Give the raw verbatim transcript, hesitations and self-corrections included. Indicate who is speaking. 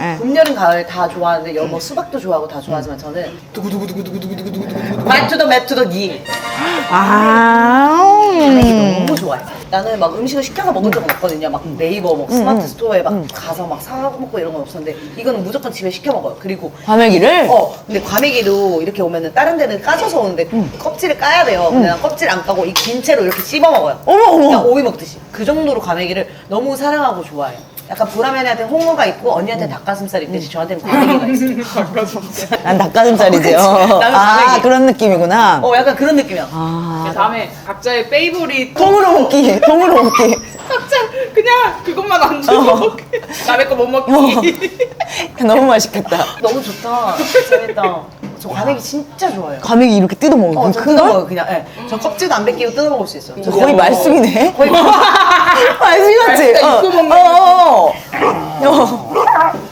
Speaker 1: 네.
Speaker 2: 봄, 여름, 가을 다 좋아하는데 여, 뭐 수박도 좋아하고 다 좋아하지만 저는 두구두구두구두구두구두구두구두구 맵투더 맵투더 니
Speaker 1: 아.
Speaker 2: 과메기 너무 좋아해. 나는 막 음식을 시켜서 먹은 적은 없거든요. 막 네이버 뭐 스마트 스토어에 막 가서 막 사고 먹고 이런 건 없었는데 이거는 무조건 집에 시켜 먹어요. 그리고
Speaker 1: 과메기를?
Speaker 2: 어 근데 과메기도 이렇게 오면은 다른 데는 까져서 오는데 껍질을 까야 돼요. 근데 난 껍질 안 까고 이 긴 채로 이렇게 씹어 먹어요.
Speaker 1: 어머, 어머.
Speaker 2: 그냥 오이 먹듯이. 그 정도로 과메기를 너무 사랑하고 좋아해요. 약간 보라매한테 홍어가 있고 언니한테 닭가슴살이 있듯이 저한테는 과메기가 있어요.
Speaker 1: 난 닭가슴살이지요.
Speaker 2: 나는
Speaker 1: 아,
Speaker 2: 과메기.
Speaker 1: 그런 느낌이구나.
Speaker 2: 어 약간 그런 느낌이야.
Speaker 1: 아.
Speaker 3: 다음에 각자의 페이보릿
Speaker 1: 통으로 먹기, 통으로 먹기.
Speaker 3: 각자 그냥 그것만 안 주고 남의 거 못 먹기.
Speaker 1: 너무 맛있겠다.
Speaker 2: 너무 좋다. 재밌다. 저 과메기 진짜 좋아해요.
Speaker 1: 과메기 이렇게 뜯어 먹는
Speaker 2: 어,
Speaker 1: 거.
Speaker 2: 저
Speaker 1: 큰
Speaker 2: 뜯어
Speaker 1: 걸?
Speaker 2: 먹어요, 그냥. 예. 저 껍질도 안 벗기고 뜯어 먹을 수 있어요. 저
Speaker 1: 거의
Speaker 2: 그냥
Speaker 1: 말숙이네.
Speaker 2: 거의
Speaker 1: 말숙이 같지?
Speaker 3: 말숙이가
Speaker 1: 어.
Speaker 3: 입고 먹는
Speaker 1: 어, 어, 어. 어.